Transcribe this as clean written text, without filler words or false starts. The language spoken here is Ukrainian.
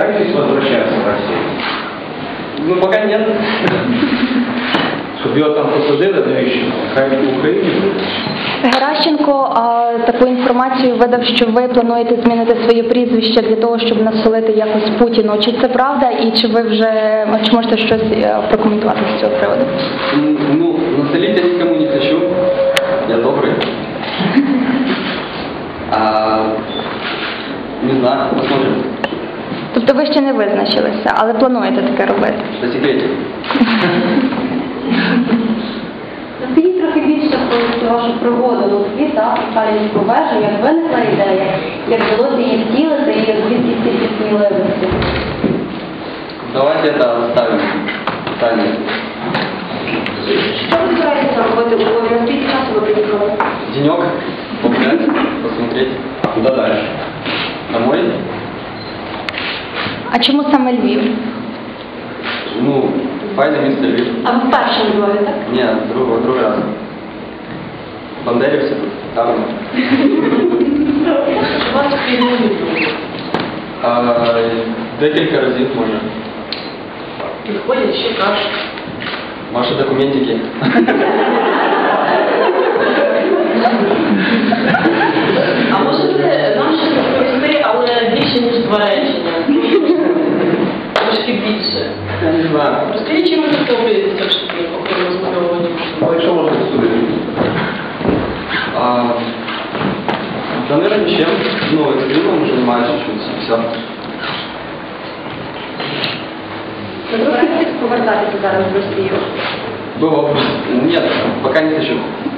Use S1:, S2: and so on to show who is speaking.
S1: собираетесь возвращаться в Россию?
S2: Ну, пока нет.
S1: Щоб його там посадили, навіщо? Хай в Україні буде.
S3: Геращенко таку інформацію видав, що ви плануєте змінити своє прізвище для того, щоб насолити якось Путіну. Чи це правда і чи ви вже, чи можете щось прокоментувати з цього приводу?
S2: Ну, насолить я никому не хочу. Я добрый. Не знаю, посмотрим.
S3: Тобто ви ще не визначилися, але плануєте таке робити?
S2: По секрете.
S4: Розкажіть трохи більше про цю вашу пригоду в Москві та Сталінську вежу, як виникла ідея, як вдалося її втілити і звідки стільки сміливості.
S2: Давайте это оставим. Таня.
S4: Що ви збираєтеся робити у Львові? Скільки часу ви приїхали?
S2: Денек. Погулять, посмотреть.
S1: Куда дальше?
S2: Домой.
S3: А чому саме Львів?
S2: Ну, файне місце Львів.
S4: А ви вперше у Львові, так?
S2: Ні, другий раз. Бандерівці тут, там.
S4: У вас спільні
S2: Декілька разів може.
S4: підходять, що кажуть.
S2: Ваші документики.
S4: А можете нам щось розповісти, але більше, ніж два речення? Трошки більше.
S2: Я не знаю.
S4: Розкажіть, чим ви захоплюєтеся все ж таки, окрім розмальовування?
S1: Ну, якщо можна судити.
S2: Да, наверное, ничем. Ну, экстримом занимаюсь чуть-чуть, все.
S4: Ви збираєтесь повертатися зараз в Росію?
S2: Было. Нет, пока не хочу.